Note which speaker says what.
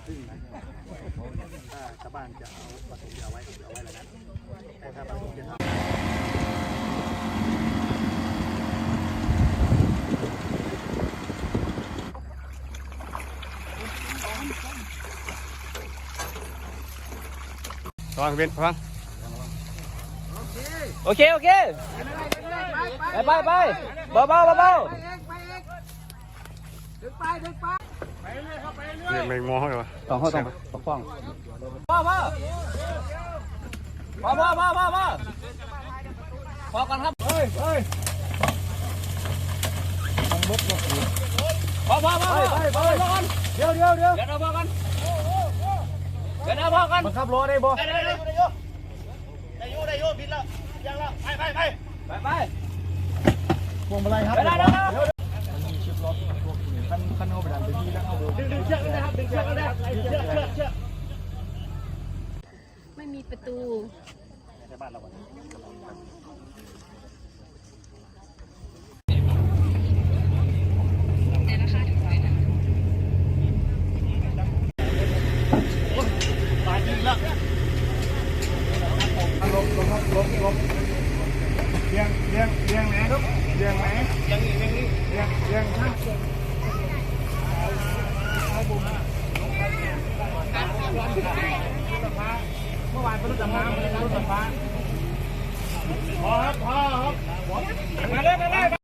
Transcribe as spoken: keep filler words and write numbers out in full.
Speaker 1: พึ่งนะถ้าชาวบ้านจะเอาประสงค์จะเอาไว้ก็จะเอาไว้แล้วนะแต่ถ้าประสงค์จะทำ
Speaker 2: ระวังเบนระวังโอเคโอเคไปไปไปเบาเบาเบาเบาเรียกแมงมอเหรอต้องเข้าต้องต้องฟ้องพ่อพ่อพ่อพ่อพ่อพ่อพ่อพอกันครับเฮ้ยเฮ้ยพ่อพ่อพ่อไปไปไปกันเดี๋ยวเดี๋ยวเดี๋ยวเดี๋ยวพ่อกันเดี๋ยวพ่อกันมันขับรถได้บ่ได้ได้ได้ได้ได้โยได้โยผิดแล้วยังแล้วไปไปไปไปไปพวงมาลัยครับได้ได้ได้มีชิปล็อกคันคันเอาไปดันไปที่แล้วเอาดึงดึงเชือกเลยครับดึงเชือกเลยเชือกเชือกเชือก
Speaker 3: ไม่มีประตู
Speaker 1: ในบ้านเราบาดยิงแล้วลบลบลบลบเลี้ยงเลี้ยงเลี้ยงไหนครับเลี้ยงไหนเลี้ยงนี่เลี้ยงนี่เลี้ยงเลี้ยงข้างเมื่อวานเป็นรถดำน้ำรถไฟฟ้าพอครับพอครับมาเลยมาเลย